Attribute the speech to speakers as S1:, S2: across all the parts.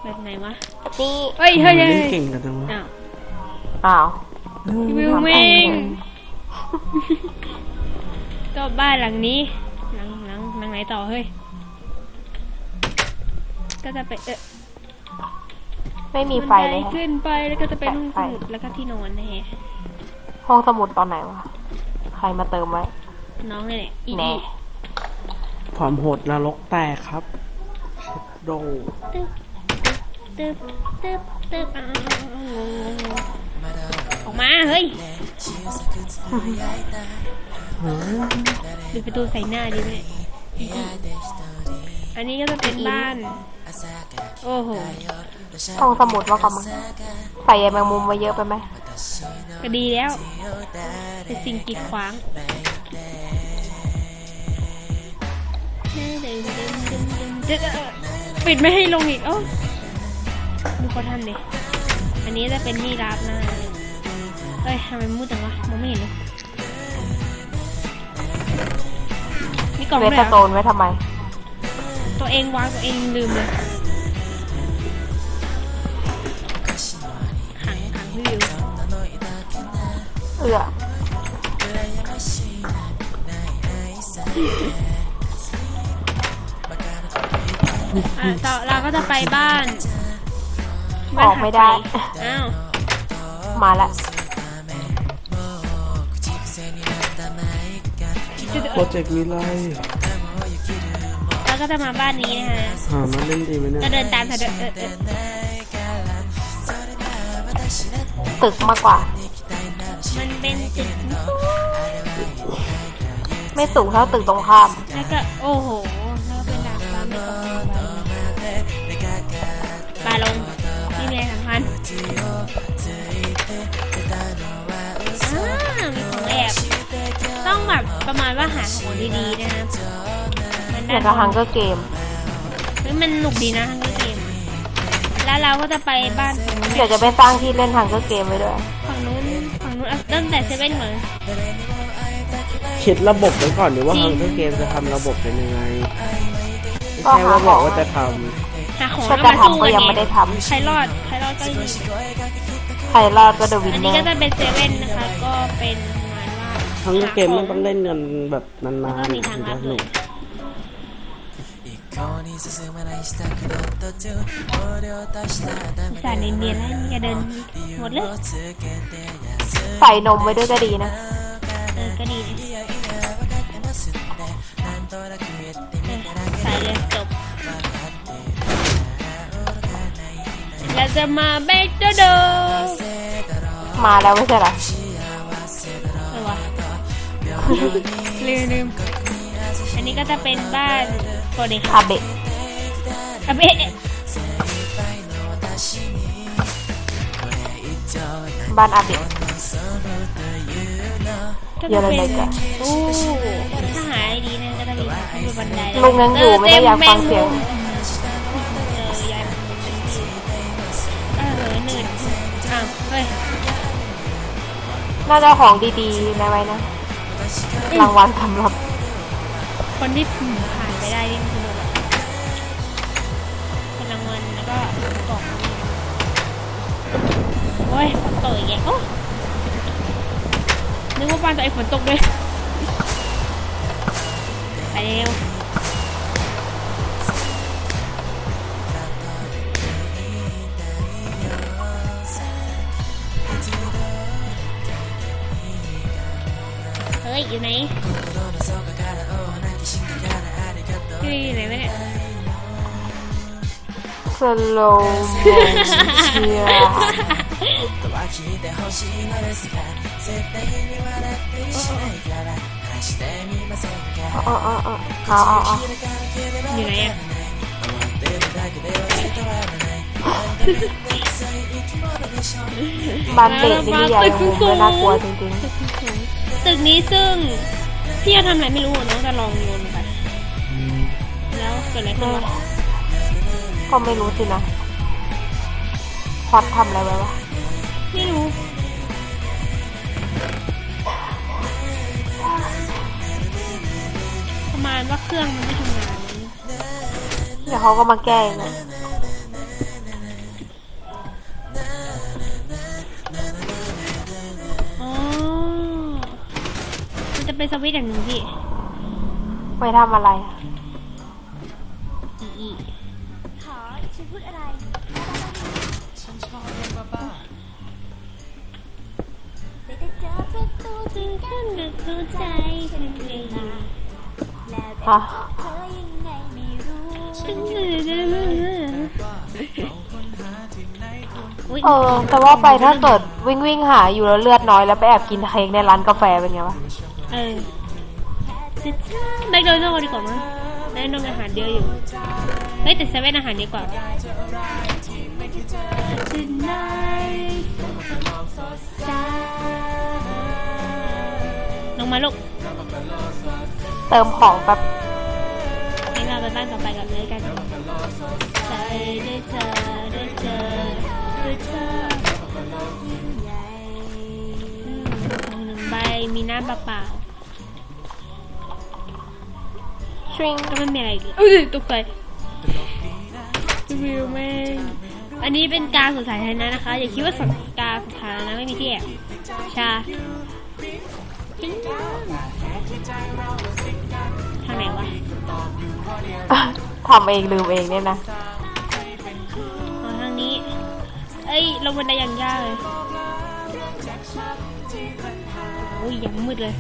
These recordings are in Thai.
S1: แบบไหนวะ
S2: นี่
S1: เฮ้ยเฮ้ย
S3: เล่นเก่งกันจังวะ
S2: อ้าว
S1: วิวเมงก็บ้านหลังนี้หลังไหนต่อเฮ้ยก็จะไป
S2: ไม่มีไฟเลย
S1: ขึ้นไปแล้วก็จะเป็นห้องสมุดแล้วก็ที่นอนนะฮะ
S2: ห้องสมุดตอนไหนวะใครมาเติมไว้
S1: น้องนี่แหละอี
S2: แน่
S3: ความโหดนรกแตกครับโด
S1: ตึ๊บออกมาเฮ้ยปิดประตูใส่หน้าดีไหมอันนี้ก็จะเป็นบ้านโอ้โห
S2: ห้องสมุดว่ากันมั้งใส่ใยแมงมุมมาเยอะไปไหม
S1: ก็ดีแล้วเป็นสิ่งกีดขวางปิดไม่ให้ลงอีกโอ้ดูเขาทำดิอันนี้จะเป็นที่รับนะเอ้ยทำไมมืดจังวะมองไม่เห็นเลยมีกล่อง
S2: เว
S1: ด้วย
S2: ทโตนไว้ทำไม
S1: ตัวเองวางตัวเองลืมเลยขังพี่วิวต่อเราก็จะไปบ้าน
S2: ออกไม่ได้
S1: อ้าว
S2: มาละ
S3: โปรเจกต์นี้ไร
S1: เราก็จะมาบ้านนี้นะฮะ
S3: มาเล่นดีไหมเนี่ย
S1: ก็เดินตามเธอ
S2: ตึกมากกว่า
S1: มันเป็นตึก
S2: ไม่สูงเท่าตึกตรงข้าม
S1: แล้วก็โอ้โหแล้วก็เป็นดาดฟ้าไม่ตรงปลาลงที่มีอะไรสำคัญมีของแอบต้องแบบประมาณว่าหาของดีๆนะครับ
S2: มันได้กับฮังเกอร์เกม
S1: มันหนุกดีนะฮังเกอร์เกมแล้วเราก็จะไปบ้าน
S2: เดี๋ยวจะไปสร้างที่เล่นฮังเกอร์เกมไว้ด้วย
S1: ฝั่งนู้นตั้งแต่เซเว่นเหมือน
S3: คิดระบบไว้ก่อนหรือว่าฮังเกอร์เกมจะทำระบบเป็นยังไงไม่ใช่ว่าบอกว่าจะทำ
S1: หาของ
S2: แล้วมาสู้กันยังไม่ได้ทำ
S1: ใครรอดก็ดี
S2: ใครรอดก็เดวิน
S1: อันนี้ก็จะเป็นเซเว่นนะคะก็เป็นประมาณว่า
S3: ฮังเกอร์เกมมันต้องเล่นกันแบบนานๆ
S1: มีทางลัดเลยสารเนียนๆแล้วนี่จะเดินหมดเลย
S2: ใส่นมไว้ด้วยก็ดีนะ
S1: ก็ดีใส่เลยจบเราจะมาเบกโดโด
S2: มาแล้วไม่ใช่หรอ
S1: วะลืมอันนี้ก็จะเป็นบ้านโปรเดค
S2: อาเบะบ้านอาเบะเยอะเลยจ้ะ
S1: ถ้าหายดีนะก็จะมีบันได
S2: ลุงยังอยู่ไม่ได้อยากฟังเสียง
S1: หนืดเฮ้ย
S2: น่าจะของดีๆนะไว้นะรางวัลสำหรับ
S1: คนที่ผ่านไปได้นี่คือเป็นรางวัลแล้วก็กล่องโอ้ยฝนตกอีกแล้วนึกว่าบ้านตัวเองฝนตกด้วยไปเร็วเฮ้ยอยู่ไหนอยู่ไหนวะเนี่ย
S2: สโลว์โมชั่น
S1: อยู่ไหนอ่ะ
S2: บ้านเด็กนี่ใหญ่มุมเลยน่ากลัวจริง
S1: ๆตึกนี้ซึ่งพี่จะทำอะไรไม่รู้น้องจะลองโยนไปแล้วเกิดอะไรขึ้นวะ
S2: ก็ไม่รู้สินะพอดทำอะไรไว้วะ
S1: ไม่รู้ประมาณว่าเครื่องมันไม่ทำงาน
S2: เดี๋ยวเขาก็มาแก้นะ
S1: จะเป็นสวิตช์อย่างหนึ่งพี่
S2: ไปทำอะไรอะ
S1: อี
S4: ขอฉันพูดอะไรได้แต่เจอประตูที่กั้นกับหัวใจฉันเองแล้วแต่
S2: ฮะ
S4: เธอยังไงไม่รู้
S1: อุ๊ย
S2: แต่ว่าไปถ้าเกิดวิ่งหาอยู่แล้วเลือดน้อยแล้วไปแอบกินเค้กในร้านกาแฟเป็นไงวะ
S1: เออแมคโดนัลด์ดีกว่ามั้งแมคโดนัลด์อาหารเยอะอยู่เฮ้ยแต่เซเว่นอาหารดีกว่า ลงมาลูก
S2: เติมของแบบ
S1: ให้เราไปบ้านต่อไปกันเลยกันใจได้เจอได้เจอได้เจอของหนึ่งใบมีน้ำเปล่า
S2: ชริง
S1: ๆก็ไม่มีอะไรอีกอุ้ยตกใจวิวแม่งอันนี้เป็นการสวนสาธารณะนะคะ อย่าคิดว่าการสวนสาธารณะไม่มีที่แอบชาทางไหนวะ
S2: ทำเองลืมเองเนี่ยนะ
S1: อ๋อทางนี้ เอ้ยลงบันไดอย่างยากเลยโอ้ยยังมืดเลย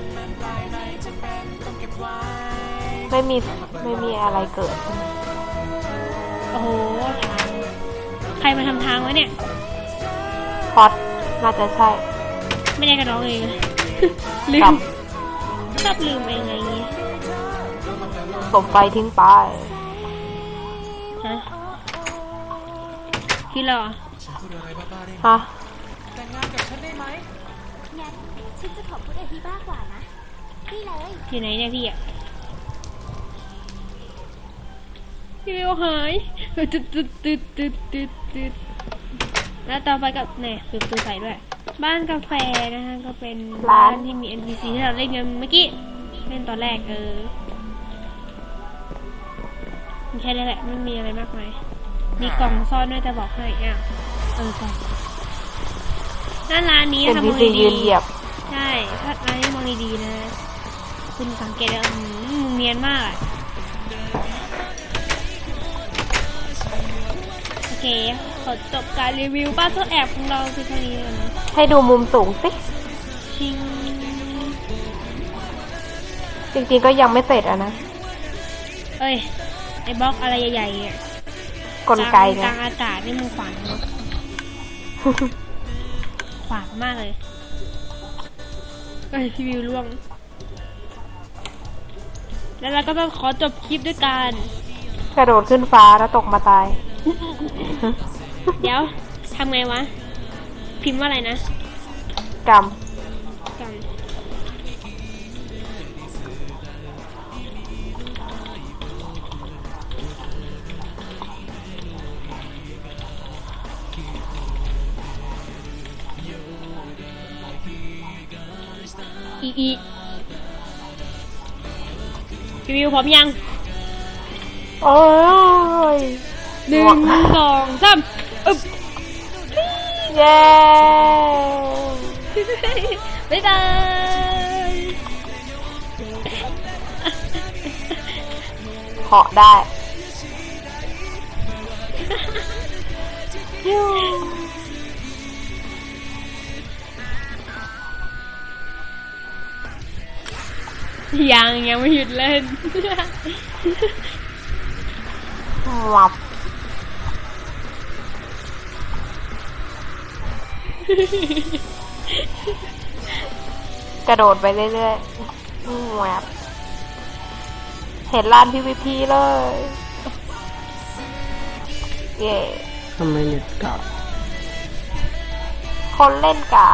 S2: ไม่มีอะไรเกิด
S1: โอ้โหทางใครมาทำทางวะเนี่ย
S2: พอดน่าจะใช่
S1: ไม่ได้กระน้องเอง ลื
S2: กรร
S1: ม
S2: ม
S1: ชอบลืมเองไงงี้
S2: สมไฟทิ้งไป
S1: ฮะพี่หรอ
S2: ฮะ
S4: งั้นฉันจะขอพูดอะไรที่บ้ากว่านะนี่เลย
S1: อยู่ไหนเนี่ยพี่อะพี่วิวหายตึ๊ดแล้วต่อไปกับเนี่ยปิดประตูใส่ด้วย บ้านกาแฟนะคะก็เป็นบ้านที่มี NPC ที่เราเล่นกันเมื่อกี้เล่นตอนแรกไม่ใช่เลยแหละไม่มีอะไรมากมายมีกล่องซ่อนด้วยแต่บอกให้อ้าวกล่องหน้าร้านนี้
S2: เป็น
S1: ทำ
S2: พี
S1: มอง
S2: ซี
S1: ดี
S2: ยืนเหยียบ
S1: ๆใช่ถ้าร้านนี้มองดีๆนะ คุณสังเกตได้มึงเนียนมากอะโอเคขอจบการรีวิวบ้านตัวแอบของเราคือเท่านี้เลยนะ
S2: ให้ดูมุมสูงสิ
S1: ชิง
S2: จริงๆก็ยังไม่เสร็จอะนะ
S1: เอ้ยไอ้บล็อกอะไรใหญ่ๆเนี่ย
S2: กลไกไง
S1: กลางอากาศนี่มึงขวางเนอะขวางมากเลยเอ้ยพี่วิวล่วง แล้วเราก็ต้องขอจบคลิปด้วยการ
S2: กระโดดขึ้นฟ้าแล้วตกมาตาย
S1: เดี๋ยวทำไงวะ พิมพ์ว่าอะไรนะ
S2: กรรม
S1: กันอีพี่วิวพร้อมยัง
S2: โอ้ย
S1: หนึ่งสองสามอึ๊บ
S2: เย้
S1: บ๊ายบาย
S2: เหาะได้
S1: ยังไม่หยุดเล่น
S2: วับกระโดดไปเรื่อยๆแวบเห็นลาน PVP เลย เย่
S3: ทำไมเน็ตกลับ
S2: คนเล่นกาก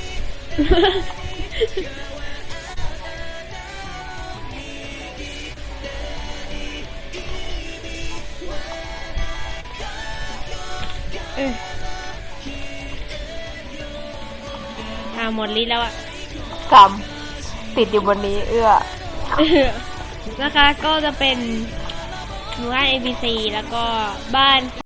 S1: หมดลิ้นแล้วอ่ะ
S2: กำติดอยู่บนนี้
S1: นะคะก็จะเป็นหมู่บ้าน ABC แล้วก็บ้าน